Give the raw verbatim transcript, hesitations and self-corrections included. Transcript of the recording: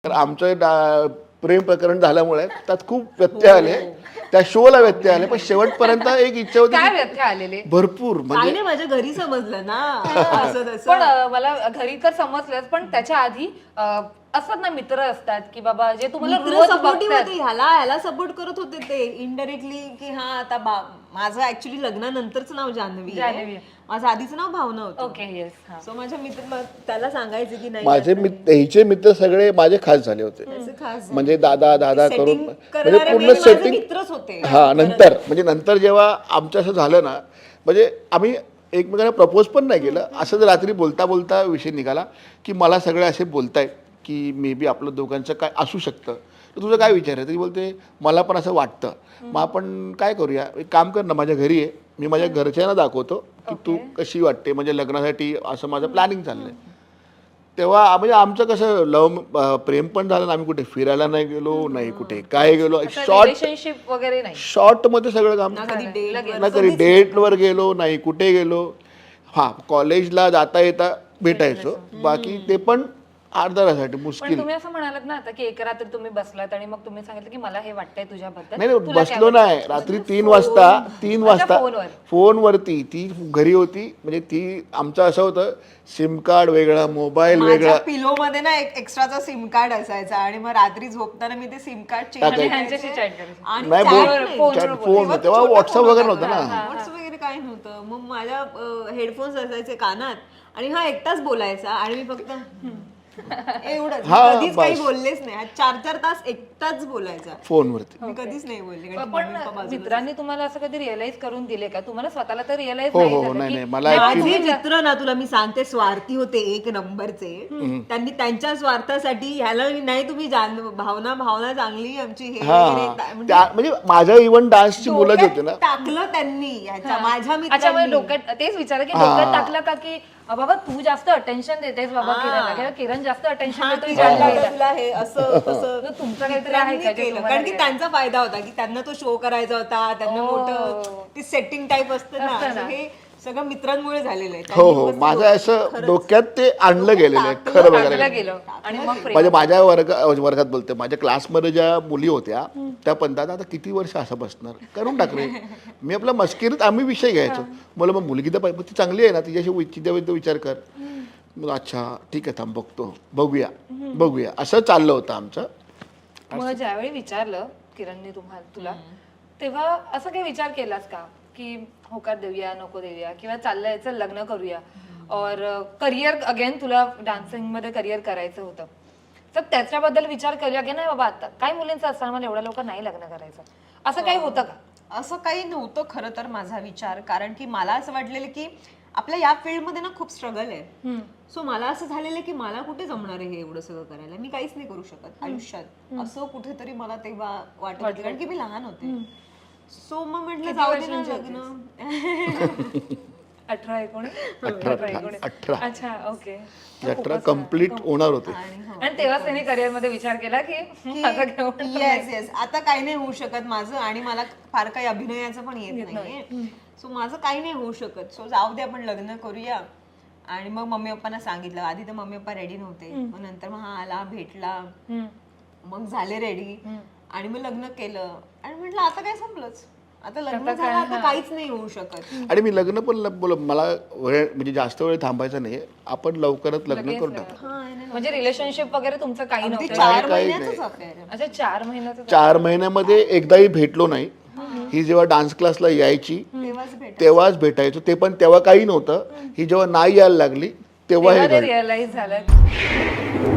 तर आमचं डा- प्रेम प्रकरण झाल्यामुळे त्यात खूप व्यत्यय आले, त्या शोला व्यत्यय आले, पण शेवटपर्यंत एक इच्छा होती काय की व्यत्यय आलेले भरपूर काही म्हणजे नाही माझ्या घरी समजलं ना असं तसं. पण अ, मला घरी तर समजलंच, पण त्याच्या आधी अ, असतात ना मित्र असतात की बाबा जे तुम्हाला मित्र रोज सपोर्टिव्ह बघतात. होते, ह्याला ह्याला सपोर्ट करत होते ते इनडायरेक्टली की हा आता बा- माझं ऍक्च्युली लग्नानंतरच नाव जान्हवी जान्हवी आहे. आहे. माझं आधीचं नाव भावना होतं. ओके येस हा सो माझ्या मित्र म- त्याला सांगायचे की नाही माझे आता मित्र ह्याचे मित्र सगळे माझे खास झाले होते, त्याचं खास झालं. म्हणजे दादा दादा ते करून setting म्हणजे करणारे पूर्ण main माझे सेटिंग. मित्रच होते. हा नंतर म्हणजे नंतर जेव्हा आमचं असं झालं ना, म्हणजे आम्ही एकमेकांना प्रपोज पण नाही केलं, असं जर रात्री बोलता बोलता विषय निघाला की मला सगळे असे बोलतायत की मे बी आपलं दोघांचं काय असू शकतं, तर तुझं काय विचार आहे? तरी बोलते मला पण असं वाटतं, मग आपण काय करूया, एक काम कर ना, माझ्या घरी आहे, मी माझ्या घरच्यांना दाखवतो की तू कशी वाटते, म्हणजे लग्नासाठी असं माझं प्लॅनिंग चाललंय. तेव्हा म्हणजे आमचं कसं लव प्रेम पण झालं ना, आम्ही कुठे फिरायला नाही गेलो, नाही कुठे काय गेलो, शॉर्ट रिलेशनशिप वगैरे नाही. शॉर्ट मध्ये सगळं काम, ना कधी date ना कधी डेटवर गेलो, नाही कुठे गेलो. हां, कॉलेजला जाता येता भेटायचो, बाकी ते पण अर्धा तासासाठी पण मुश्किल. तुम्ही असं म्हणालात ना आता की एक रात्री तुम्ही बसलात आणि मग तुम्ही सांगितलं की मला हे वाटतंय तुझ्याबद्दल. नाही नाही, तुला काय बसलो वाटतं? नाही, रात्री तीन वाजता तीन वाजता फोनवर. फोनवरती ती घरी होती, म्हणजे ती आमचं असं होतं, सिम कार्ड वेगळा, मोबाईल वेगळा. माझ्या पिलो मध्ये ना एक एक्स्ट्राचा सिम कार्ड असायचा आणि मग रात्री झोपताना मी ते सिम कार्ड चेंज आणि ह्यांच्याशी chat करायची. आणि नाही chat बोल, नाही. फोनवर chat, बोलायचं. फोन तेव्हा तेव्हा छोटा व्हॉट्सअप फोन वगैरे होता नव्हतं ना. व्हॉट्सअप वगैरे काय नव्हतं. मग माझ्या हेडफोन्स असायचे कानात आणि हा एकटाच बोलायचा आणि मी फक्त एवढंच. मी हा, कधीच काही बस. बोललेच नाही. हा चार चार तास एकटाच बोलायचा. फोनवरती. मी कधीच नाही बोलले कारण की पण मम्मी पप्पा बाजूला. मित्रांनी तुम्हाला असं कधी रिअलाइज करून दिले का? तुम्हाला स्वतःला तर रिअलाइज हो, नाही हो, झालं नाही, की नाही, मला नाही, actually- माझे तुम्ही मित्र ना तुला मी सांगते स्वार्थी होते एक नंबरचे. त्यांनी त्यांच्या स्वार्थासाठी ह्याला नाही तुम्ही जाण भावना भावना चांगली आमची हे हा वगैरे हा. ता- म्हणजे त्या- म्हणजे माझ्या इव्हन डान्सची मुलं जी होती ना, डोक्यात टाकलं त्यांनी ह्याच्या माझ्या अच्छा म्हणजे मित्रांनी. डोक्यात तेच विचार की हा. डोक्यात टाकलं का की अ, बाबा तू जास्त अटेन्शन देतेस बाबा हा. किरणला किंवा किरण जास्त अटेन्शन हा, देतो की जान्हवीला. जान्हवीला तुला हे असं तसं तर तुमचं काहीतरी आहे का जे केलं तुम्हाला कारण की realize- त्यांचा फायदा होता की त्यांना तो शो करायचा होता, त्यांना ओ. मोठं ती सेटिंग टाईप असतं ना, असतं ना. तर हे सगळं मित्रांमुळे झालेलं आहे. हो त्यांनी हो, मस्त माझं डोक्यात असं खरंच- डोक्यात ते आणलं गेलेलं आहे खरं बघायला टाकलं गेलं. गेलं आणि मग प्रेम. म्हणजे माझ्या वर्ग वर्गात बोलते, माझ्या क्लासमध्ये ज्या मुली होत्या त्या पण दादा आता किती वर्ष असं बसणार, करून टाक रे. मी आपला मस्किरीत आम्ही विषय घ्यायचो, मला मग मुलगी तर पाहिजे, मग ती चांगली आहे ना, तिच्याशी विचार विचार कर. मग अच्छा ठीक आहे, थांब बघतो, बघूया बघूया, असं चाललं होतं आमचं. मग ज्यावेळी विचारलं किरणने तुम्हाला तुला तेव्हा असं काही विचार केलास का की होकार देऊया नको देऊया किंवा चाललंय चल लग्न करूया और करिअर अगेन तुला डान्सिंग मध्ये करिअर करायचं होतं, तर त्याच्याबद्दल विचार करूया की नाही बाबा आता काही मुलींचं असताना मला एवढ्या लवकर नाही लग्न करायचं, असं काही होतं का? असं काही नव्हतं खरं तर माझा विचार, कारण की मला असं वाटलेलं की आपल्या या फील्डमध्ये ना खूप स्ट्रगल आहे. सो मला असं झालेलं की मला कुठे जमणार आहे हे एवढं सगळं करायला, मी काहीच नाही करू शकत आयुष्यात, असं कुठेतरी मला तेव्हा वाटत होतं, कारण की मी लहान होते. सो मग म्हटलं जाऊ दे ना लग्न. अठरा एकोणीस अठरा एकोणीस अठरा अच्छा ओके. अठरा कम्प्लीट होणार होते. आणि तेव्हाच त्यांनी करिअर मध्ये विचार केला की माझं घेऊन येस येस आता काही नाही होऊ शकत माझं, आणि मला फार काही अभिनयाचं पण येत नाहीये, सो माझं काही नाही होऊ शकत, सो जाऊ दे आपण लग्न करूया. आणि मग मम्मी पप्पांना सांगितलं, आधी तर मम्मी पप्पा रेडी नव्हते, मग नंतर मग हा आला भेटला, मग झाले रेडी आणि मग लग्न केलं आणि म्हटलं आता काय संपलंच, आता लग्न झालं, आता काहीच नाही होऊ शकत. आणि मी लग्न पण ल- बोल मला वेळ म्हणजे जास्त वेळ थांबायचा नाही, आपण लवकरच लग्न करून टाकू. म्हणजे रिलेशनशिप वगैरे तुमचं काही अगदी नव्हतं? चार काही महिन्याचंच affair आहे. अच्छा चार महिन्याचं चार महिन्यामध्ये एकदाही भेटलो नाही. ही जेव्हा डान्स क्लासला यायची तेव्हाच भेट तेव्हाच भेटायचो, ते पण तेव्हा काही नव्हतं. ही जेव्हा नाही यायला लागली तेव्हा हे तेव्हा ते घडलं. रिअलाइज झालं